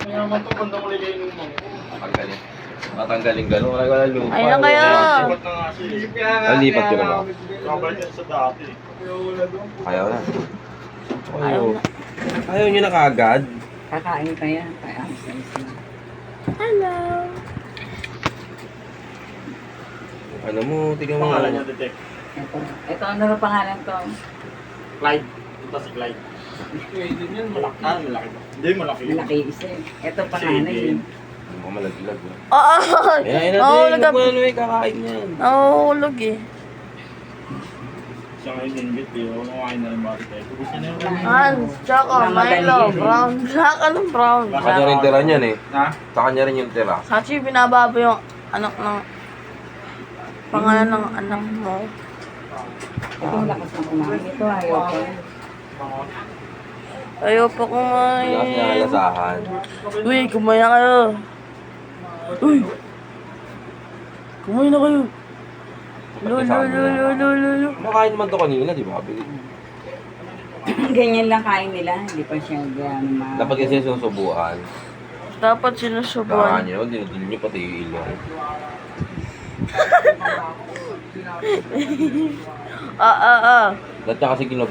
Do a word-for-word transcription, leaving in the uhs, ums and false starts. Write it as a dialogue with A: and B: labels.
A: Kaya naman ito, bandang ulit kayo ng mga.
B: Matanggalin. Matanggalin gano'n. Wala wala lupa.
C: Ayun na kayo.
A: Sipat na nga siya.
B: Ah, lipat ko na ba?
A: Kabalik yan sa dati.
B: Ayaw na.
C: Ayaw na.
B: Ayaw nyo na kaagad.
D: Kakain pa yan. Kaya alis na.
C: Hello.
B: Ano mo, tignan mo.
A: Pangalan niya, detect.
D: Ito. Ito, ano na pangalan to?
A: Clyde. Ito si Clyde. Pwede yan, malaki. Ah, malaki ba? Hindi, malaki.
D: Malaki isa eh. Ito panganay
A: Sige.
D: yun.
B: Ano malaglag. eh.
C: Oo.
B: Ayan, ayan
C: Nahulog
B: natin.
C: ka.
B: Huwag mo na kakain yan.
C: Nahulog eh.
A: Siya ngayon ingit, pero kumakain na rin mga detect. Gusto niya yung
C: Hans, Choco, Milo, brown. Black, anong brown?
B: Sa kanya rin tira niyan eh.
A: Ha?
B: Sa kanya rin yung tira.
C: Sachi, binababa yung anak ng... Pangalan ng anak mo.
D: Ito lakas na kumain. Ito ayaw ko.
C: Ayaw pa
B: Hindi kasi
C: kumain.
B: nakalasahan.
C: Uy, kumain na kayo. Uy! Kumain na kayo. Lo, lo, lo, lo, lo, lo, lo.
B: Kumakain naman to kanina, di ba?
D: Ganyan lang kain nila. Hindi pa siya gano'n ma...
B: Dapat kasi susubuan.
C: Dapat
B: Saka
C: sinusubuan.
B: nyo, dinudul nyo pati yung ilong.
C: Ah, ah, ah.
B: Dahil niya kasi kinub